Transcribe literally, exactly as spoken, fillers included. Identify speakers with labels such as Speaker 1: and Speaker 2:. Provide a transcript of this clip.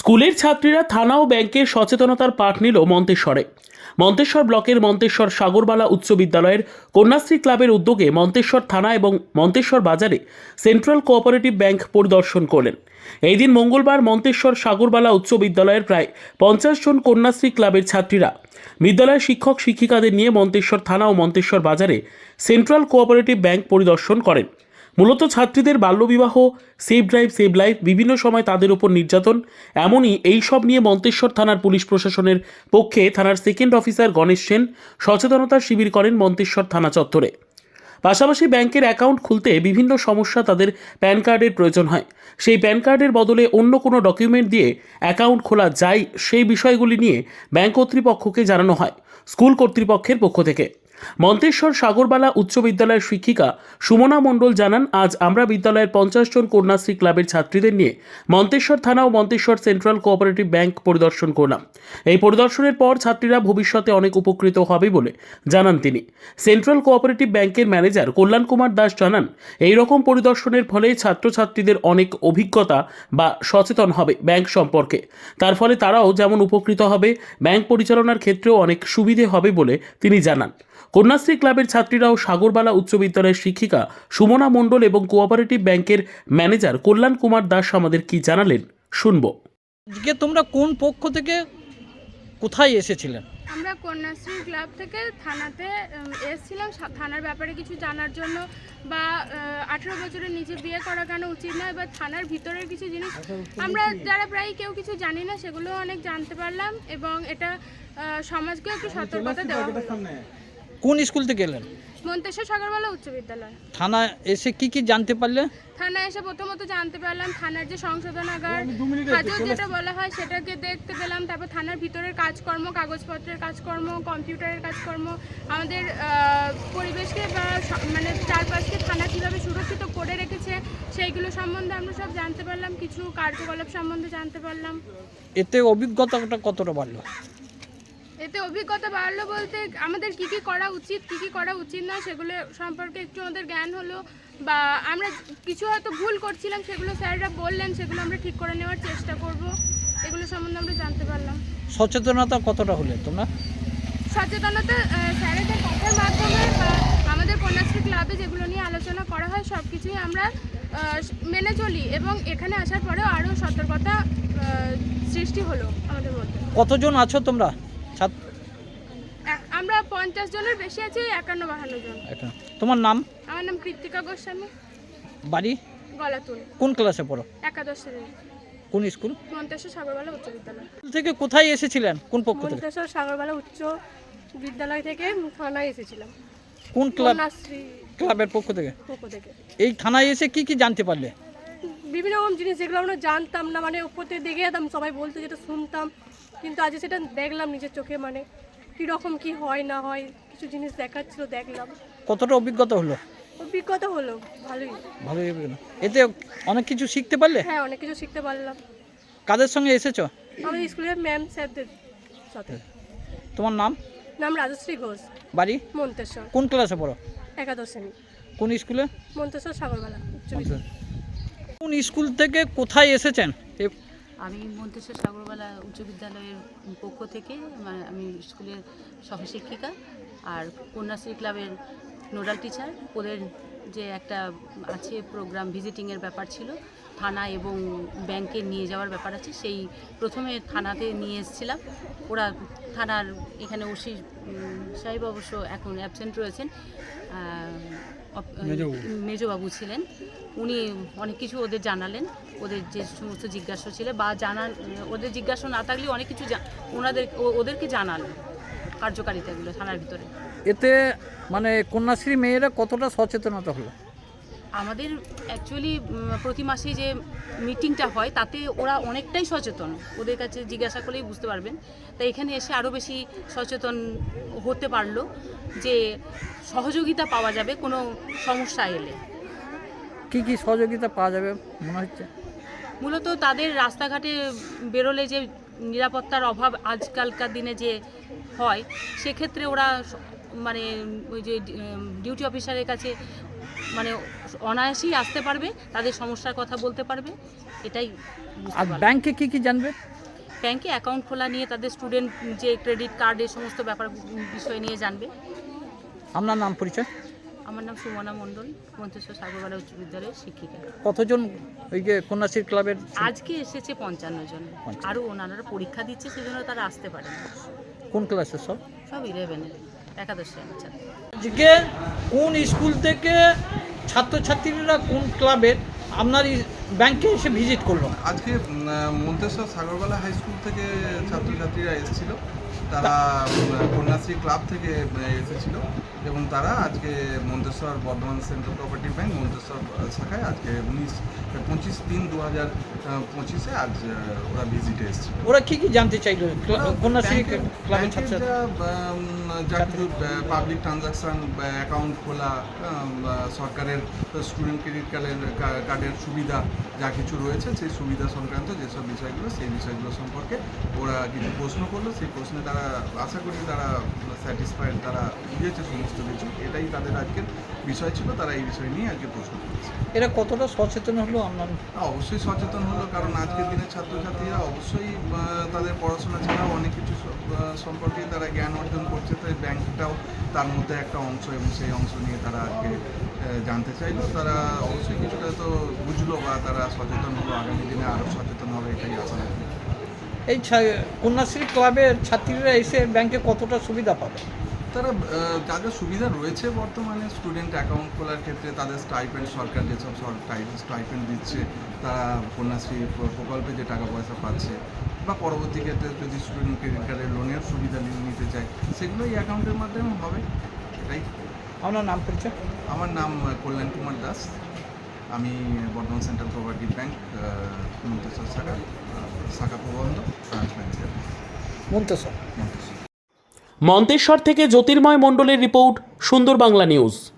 Speaker 1: স্কুলের ছাত্রীরা থানা ও ব্যাংকের সচেতনতার পাঠ নিল মন্তেশ্বরে। মন্তেশ্বর ব্লকের মন্তেশ্বর সাগরবালা উচ্চ বিদ্যালয়ের কন্যাশ্রী ক্লাবের উদ্যোগে মন্তেশ্বর থানা এবং মন্তেশ্বর বাজারে সেন্ট্রাল কোঅপারেটিভ ব্যাংক পরিদর্শন করলেন। এই দিন মঙ্গলবার মন্তেশ্বর সাগরবালা উচ্চ বিদ্যালয়ের প্রায় পঞ্চাশ জন কন্যাশ্রী ক্লাবের ছাত্রীরা বিদ্যালয়ের শিক্ষক শিক্ষিকাদের নিয়ে মন্তেশ্বর থানা ও মন্তেশ্বর বাজারে সেন্ট্রাল কোঅপারেটিভ ব্যাংক পরিদর্শন করেন। মূলত ছাত্রীদের বাল্যবিবাহ, সেভ ড্রাইভ সেভ লাইফ, বিভিন্ন সময় তাদের উপর নির্যাতন, এমনই এই সব নিয়ে মন্তেশ্বর থানার পুলিশ প্রশাসনের পক্ষে থানার সেকেন্ড অফিসার গণেশ সেন সচেতনতার শিবির করেন মন্তেশ্বর থানা চত্বরে। পাশাপাশি ব্যাংকের অ্যাকাউন্ট খুলতে বিভিন্ন সমস্যা, তাদের প্যান কার্ডের প্রয়োজন হয়, সেই প্যান কার্ডের বদলে অন্য কোনো ডকুমেন্ট দিয়ে অ্যাকাউন্ট খোলা যায়, সেই বিষয়গুলি নিয়ে ব্যাংক কর্তৃপক্ষকে জানানো হয় স্কুল কর্তৃপক্ষের পক্ষ থেকে। মন্তেশ্বর সাগরবালা উচ্চ বিদ্যালয়ের শিক্ষিকা সুমনা মণ্ডল জানান, আজ আমরা বিদ্যালয়ের পঞ্চাশ জন কন্যাশ্রী ক্লাবের ছাত্রীদের নিয়ে মন্তেশ্বর থানা ও মন্তেশ্বর সেন্ট্রাল কোঅপারেটিভ ব্যাংক পরিদর্শন করলাম। এই পরিদর্শনের পর ছাত্রীরা ভবিষ্যতে অনেক উপকৃত হবে বলে জানান তিনি। সেন্ট্রাল কোঅপারেটিভ ব্যাংকের ম্যানেজার কল্যাণ কুমার দাস জানান, এই রকম পরিদর্শনের ফলে ছাত্রছাত্রীদের অনেক অভিজ্ঞতা বা সচেতন হবে ব্যাংক সম্পর্কে। তার ফলে তারাও যেমন উপকৃত হবে, ব্যাংক পরিচালনার ক্ষেত্রেও অনেক সুবিধে হবে বলে তিনি জানান। কন্যাশ্রী ক্লাবের ছাত্রীরাও সাগরবালা উচ্চ বিদ্যালয়ের শিক্ষিকা সুমনা মণ্ডল এবং কোঅপারেটিভ ব্যাংকের ম্যানেজার কল্যাণ কুমার দাস আমাদের কি জানালেন শুনব।
Speaker 2: আজকে তোমরা কোন পক্ষ থেকে কোথায় এসেছিলেন?
Speaker 3: আমরা কন্যাশ্রী ক্লাব থেকে থানাতে উম, এসেছিলাম সা- থানার ব্যাপারে কিছু জানার জন্য, বা আঠেরো বছরের নিচে বিয়ে করা কেন উচিত নয়, বা থানার ভিতরের কিছু জিনিস আমরা যারা প্রায় কেউ কিছু জানি না সেগুলো অনেক জানতে পারলাম, এবং এটা আহ, সমাজকে একটু সতর্কতা দেওয়া হলো।
Speaker 2: কোন স্কুল থেকে এলেন?
Speaker 3: মন্তেশ্বর সাগরবালা উচ্চ বিদ্যালয়।
Speaker 2: থানা এসে কি কি জানতে পারলে?
Speaker 3: থানায় এসে প্রথমত জানতে পারলাম থানার যে সংশোধনাগার হাজত যেটা বলা হয় সেটাকে দেখতে পেলাম। তারপর থানার ভিতরের কাজকর্ম, কাগজপত্রের কাজকর্ম, কম্পিউটারের কাজকর্ম, আমাদের আহ, পরিবেশকে বা স- মানে চারপাশকে থানা কীভাবে সুরক্ষিত করে রেখেছে সেইগুলো সম্বন্ধে আমরা সব জানতে পারলাম, কিছু কার্যকলাপ সম্বন্ধে জানতে পারলাম।
Speaker 2: এতে অভিজ্ঞতাটা কতটা বাড়লো?
Speaker 3: এতে অভিজ্ঞতা বাড়লো বলতে আমাদের কি কি করা উচিত, কি কি করা উচিত না সেগুলো সম্পর্কে একটু আমাদের জ্ঞান হলো, বা আমরা কিছু হয়তো ভুল করছিলাম সেগুলো স্যাররা বললেন, সেগুলো আমরা ঠিক করে নেওয়ার চেষ্টা করব, এগুলো সম্বন্ধে আমরা জানতে পারলাম।
Speaker 2: সচেতনতা কতটা হলে তোমরা?
Speaker 3: সচেতনতা আহ, স্যারেদের কথার মাধ্যমে বা আমাদের কন্যাশ্রী ক্লাবে যেগুলো নিয়ে আলোচনা করা হয় সব কিছুই আমরা আহ, মেনে চলি, এবং এখানে আসার পরেও আরও সতর্কতা আহ, সৃষ্টি হলো আমাদের মধ্যে।
Speaker 2: কতজন আছো তোমরা ছাত্র?
Speaker 3: এক- আমরা পঞ্চাশ জনের বেশি আছি, একান্ন বাহান্ন জন।
Speaker 2: এটা তোমার নাম?
Speaker 3: আমার নাম কৃত্তিকা গোস্বামী,
Speaker 2: বাড়ি?
Speaker 3: গলাতুল,
Speaker 2: কোন ক্লাসে পড়ো?
Speaker 3: একাদশ শ্রেণী,
Speaker 2: কোন স্কুল?
Speaker 3: মন্তেশ্বর সাগরবালা উচ্চ বিদ্যালয়।
Speaker 2: স্কুল থেকে কোথায় এসেছিলেন? কোন পক্ষ থেকে?
Speaker 4: মন্তেশ্বর সাগরবালা উচ্চ বিদ্যালয় থেকে থানায় এসেছিলাম,
Speaker 2: কোন ক্লাব?
Speaker 4: কন্যাশ্রী
Speaker 2: ক্লাবের পক্ষ থেকে।
Speaker 4: পক্ষ থেকে।
Speaker 2: এই থানায় এসে কি কি জানতে পারলে?
Speaker 4: বিভিন্ন রকম জিনিস যেগুলো আমরা জানতাম না, মানে উপর থেকে দেখে যেতাম, সবাই বলতে যেটা শুনতাম, কিন্তু আজ সেটা দেখলাম নিজের চোখে, মানে কীরকম কি হয় না হয় কিছু জিনিস দেখাচ্ছিল, দেখলাম,
Speaker 2: কতটা অভিজ্ঞতা হলো?
Speaker 4: অভিজ্ঞতা হলো ভালোই।
Speaker 2: ভালোই অভিজ্ঞতা। এতে অনেক কিছু শিখতে পারলে?
Speaker 4: হ্যাঁ, অনেক কিছু শিখতে পারলাম
Speaker 2: কাদের সঙ্গে এসেছো?
Speaker 4: আমাদের স্কুলের ম্যাম স্যারদের সাথে।
Speaker 2: তোমার নাম?
Speaker 4: নাম রাজশ্রী ঘোষ,
Speaker 2: বাড়ি?
Speaker 4: মন্তেশ্বর,
Speaker 2: কোন ক্লাসে পড়ো?
Speaker 4: একাদশ শ্রেণী,
Speaker 2: কোন স্কুলে?
Speaker 4: মন্তেশ্বর সাগরবালা উচ্চ বিদ্যালয়।
Speaker 2: কোন স্কুল থেকে কোথায় এসেছেন? এ-
Speaker 5: আমি মন্তেশ্বর সাগরবালা উচ্চ বিদ্যালয়ের পক্ষ থেকে, মানে আমি স্কুলের সহশিক্ষিকা আর কন্যাশ্রী ক্লাবের নোডাল টিচার। ওদের যে একটা আছে প্রোগ্রাম, ভিজিটিংয়ের ব্যাপার ছিল, থানা এবং ব্যাংকে নিয়ে যাওয়ার ব্যাপার আছে, সেই প্রথমে থানাতে নিয়ে এসেছিলাম। ওরা থানার এখানে ওসি উম, সাহেব অবশ্য এখন অ্যাবসেন্ট রয়েছেন, আহ, অপ- মেজবাবু ছিলেন, উনি অনেক কিছু ওদের জানালেন, ওদের যে সমস্ত জিজ্ঞাসা ছিল বা জানার ওদের জিজ্ঞাসা না থাকলেও অনেক কিছু জা- ওনাদের ও- ওদেরকে জানালো কার্যকারিতাগুলো থানার ভিতরে।
Speaker 2: এতে মানে কন্যাশ্রী মেয়েরা কতটা সচেতনতা হলো?
Speaker 5: আমাদের অ্যাকচুয়ালি প্রতি মাসে যে মিটিংটা হয় তাতে ওরা অনেকটাই সচেতন, ওদের কাছে জিজ্ঞাসা করলেই বুঝতে পারবেন। তাই এখানে এসে আরও বেশি সচেতন হতে পারলো যে সহযোগিতা পাওয়া যাবে কোনো সমস্যা এলে।
Speaker 2: কি কি সহযোগিতা পাওয়া যাবে মনে হচ্ছে?
Speaker 5: মূলত তাদের রাস্তাঘাটে বেরোলে যে নিরাপত্তার অভাব আজকালকার দিনে যে হয়, সেক্ষেত্রে ওরা স- মানে ওই যে ডিউটি অফিসারের কাছে মানে অনায়াসেই আসতে পারবে, তাদের সমস্যার কথা বলতে পারবে, এটাই বুঝতে
Speaker 2: আর
Speaker 5: পারবে।
Speaker 2: ব্যাংকে কি কি জানবে?
Speaker 5: ব্যাংকে অ্যাকাউন্ট খোলা নিয়ে তাদের স্টুডেন্ট যে ক্রেডিট কার্ড এই সমস্ত ব্যাপার বিষয় নিয়ে জানবে।
Speaker 2: আপনার নাম পরিচয়?
Speaker 5: আমার নাম সুমনা মণ্ডল, মন্তেশ্বর সাগরবালা উচ্চ বিদ্যালয়ের শিক্ষিকা।
Speaker 2: কতজন ওই যে কন্যাশ্রী ক্লাবের?
Speaker 5: আজকে এসেছে পঞ্চান্ন জন, আরও ওনারা পরীক্ষা দিচ্ছে, সেজন্য তারা আসতে পারে না।
Speaker 2: কোন ক্লাসের সব?
Speaker 5: সব ইলেভেনের একাদশ শ্রেণীর ছাত্র।
Speaker 2: আজকে কোন স্কুল থেকে ছাত্রছাত্রীরা কোন ক্লাবের আপনার এই ব্যাংকে এসে ভিজিট করলো?
Speaker 6: আজকে উম, মন্তেশ্বর সাগরবালা হাই স্কুল থেকে ছাত্রছাত্রীরা এসেছিল, তারা উম, কন্যাশ্রী ক্লাব থেকে উম, এসেছিল এবং তারা আজকে Manteswar Bardhaman central cooperative bank Manteswar শাখায় আজকে উনিশ পঁচিশ তিন দু হাজার পঁচিশে আজ আহ, ওরা ভিজিটে এসেছিল।
Speaker 2: ওরা কি কি জানতে চাইলো কন্যাশ্রী
Speaker 6: ব্যাংকের-
Speaker 2: ক্লাবের
Speaker 6: ব্যাংকের
Speaker 2: ছাত্রছাত্রী?
Speaker 6: যা, উম, যা কিছু পাবলিক ট্রানজাকশান অ্যাকাউন্ট খোলা, উম, বা সরকারের স্টুডেন্ট ক্রেডিট কার্ডের কার্ডের সুবিধা যা কিছু রয়েছে সেই সুবিধা সংক্রান্ত যেসব বিষয়গুলো সেই বিষয়গুলো সম্পর্কে ওরা কিছু প্রশ্ন করলো। সেই প্রশ্নে তারা আশা করি তারা স্যাটিসফাইড, তারা বুঝেছে সমস্ত কিছু। এটাই তাদের আজকের বিষয় ছিল, তারা এই বিষয় নিয়ে আজকে প্রশ্ন করেছে।
Speaker 2: এরা কতটা সচেতন হলো আপনার?
Speaker 6: অবশ্যই সচেতন হলো, কারণ আজকের দিনে ছাত্রছাত্রীরা অবশ্যই আহ, তাদের পড়াশোনা ছাড়াও অনেক কিছু স- আহ, সম্পর্কে তারা জ্ঞান অর্জন করছে, তাই ব্যাংকটাও তার মধ্যে একটা অংশ এবং সেই অংশ নিয়ে তারা আজকে আহ, জানতে চাইলো। তারা অবশ্যই কিছুটা তো বুঝলো বা তারা সচেতন হলো, আগামী দিনে আরও সচেতন হবে এটাই আশা রাখি।
Speaker 2: এই ছা- কন্যাশ্রী ক্লাবের ছাত্রীরা এসে ব্যাংকে কতটা সুবিধা পাবে?
Speaker 6: তারা আহ, যা যা সুবিধা রয়েছে বর্তমানে স্টুডেন্ট অ্যাকাউন্ট খোলার ক্ষেত্রে তাদের স্টাইপেন্ড, সরকার যেসব স্টাইপেন্ড দিচ্ছে, তারা কন্যাশ্রী প্র- প্রকল্পে যে টাকা পয়সা পাচ্ছে, বা পরবর্তী ক্ষেত্রে যদি স্টুডেন্ট ক্রেডিট কার্ডের লোনের সুবিধা নি- নিতে চায়, সেগুলো এই অ্যাকাউন্টের মাধ্যমে হবে। এটাই।
Speaker 2: আপনার নাম পরিচয়?
Speaker 6: আমার নাম আহ, কল্যাণ কুমার দাস, আমি Bardhaman central cooperative bank Manteswar শাখা আহ, শাখা প্রবন্ধ ব্রাঞ্চ ম্যানেজার
Speaker 2: মন্তেশ্বর।
Speaker 6: মন্তেশ্বর।
Speaker 1: মন্তেশ্বর থেকে জ্যোতির্ময় মণ্ডলের রিপোর্ট, সুন্দর বাংলা নিউজ।